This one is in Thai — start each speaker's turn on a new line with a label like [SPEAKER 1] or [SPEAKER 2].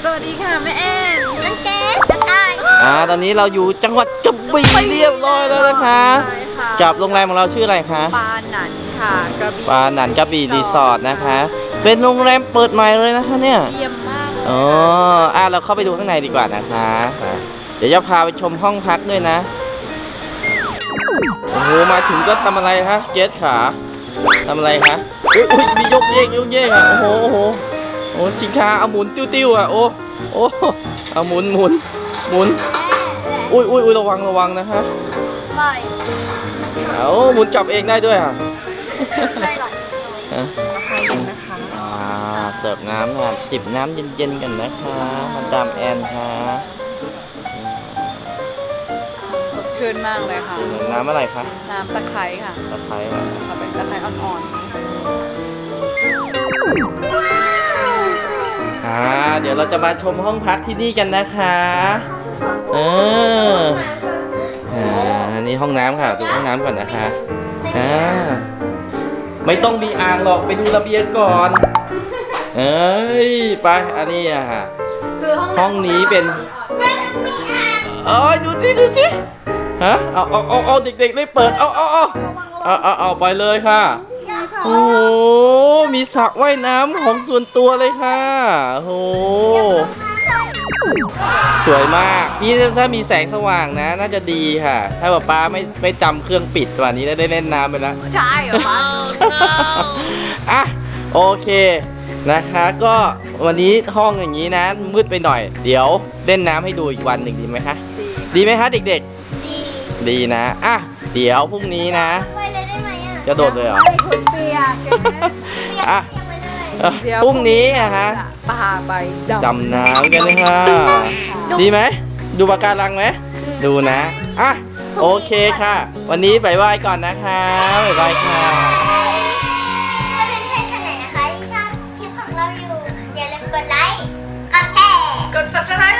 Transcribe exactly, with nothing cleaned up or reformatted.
[SPEAKER 1] สวัสดีค่ะแม่แอน
[SPEAKER 2] น้องเกดน้องกาย
[SPEAKER 3] อ่าตอนนี้เราอยู่จังหวัดกระบี่เรียบร้อยแล้วนะคะกับโรงแรมของเราชื่ออะไรคะ
[SPEAKER 1] ปาหนันค่ะกระบี่
[SPEAKER 3] ปาหนันกระบี่รีสอร์ทนะคะเป็นโรงแรมเปิดใหม่เลยนะคะเนี่ย
[SPEAKER 1] เยี่ยมมากเลย
[SPEAKER 3] อ๋ออ่ะเราเข้าไปดูข้างในดีกว่านะคะเดี๋ยวจะพาไปชมห้องพักด้วยนะโอ้โหมาถึงก็ทำอะไรคะเจสขาทำอะไรคะอุ้ยอุ้ยมียกเยกยกเยกอ่ะโอ้โหโอ้โหโอ้ชิงช้าเอาหมุนติ้วๆอ่ะโอ้โอ้เอาหมุนหมุนหมุนอุ้ยอุ้ยอุ้ยระวังระวังนะคะ
[SPEAKER 2] บ่อย
[SPEAKER 3] เอาหมุนจับเองได้ด้วยอ่ะ
[SPEAKER 2] ไม่หรอก
[SPEAKER 3] ฮะ
[SPEAKER 1] ใครกันนะคะ
[SPEAKER 3] อ่าเสิร์ฟน้ำค่ะจิบน้ำเย็นๆกันนะคะมาดามแอนค่ะ
[SPEAKER 1] สดชื่นมากเลยค่ะ
[SPEAKER 3] น้ำอะไรคะ
[SPEAKER 1] น้ำตะไคร้ค่ะ
[SPEAKER 3] ตะไคร้ค่ะ
[SPEAKER 1] จะเป็นตะไคร้อ่อน
[SPEAKER 3] อ่าเดี๋ยวเราจะมาชมห้องพักที่นี่กันนะคะเอออ่าอันนี้ห้องน้ำค่ะดูห้องน้ำก่อนนะคะอ่าไม่ต้องมีอ่างหรอกไปดูระเบียงก่อนเอ้ยไปอันนี้อะค่ะห้องนี้เป็นเอ้ยดูสิดูสิฮะเอาเอาเอาเอาเด็กๆได้เปิดเอาเอาเอาเอาเอาเอาไปเลยค่ะโอ้โหมีสระว่ายน้ำของส่วนตัวเลยค่ะโอ้โหสวยมากพี่ถ้ามีแสงสว่างนะน่าจะดีค่ะถ้าแบบป้าไม่ไม่จำเครื่องปิดตัวนี้ได้เล่นน้ำไปแล้ว
[SPEAKER 1] ใช่เหรอคะ
[SPEAKER 3] อ่ะโอเคนะคะก็วันนี้ห้องอย่างนี้นะมืดไปหน่อยเดี๋ยวเล่นน้ำให้ดูอีกวันหนึ่งดีไหมคะดีไหมคะเด็ก
[SPEAKER 2] ดี
[SPEAKER 3] ๆดีนะอ่ะเดี๋ยวพรุ่งนี้นะ
[SPEAKER 2] ไปเลยได้ไหมอ่ะ
[SPEAKER 3] จะโดดเลยเหรอ
[SPEAKER 1] ให้คุณเปียก
[SPEAKER 3] อ่ะ
[SPEAKER 2] ไปเลย
[SPEAKER 3] เอ่อพรุ่งนี้อะฮะ
[SPEAKER 1] พาไปดำ
[SPEAKER 3] ดำน้ำกันเลยค่ะดีไหมดูปะการังไหมดูนะอ่ะโอเคค่ะ วันนี้บายบายก่อนนะคะบายบายค่ะ
[SPEAKER 2] ถ้าเป็นเพื่อนคนไหนนะคะที่ชอบคลิปของเราอยู่อย่าลืมกดไลค์กดแชร์
[SPEAKER 1] กด ซับสไครบ์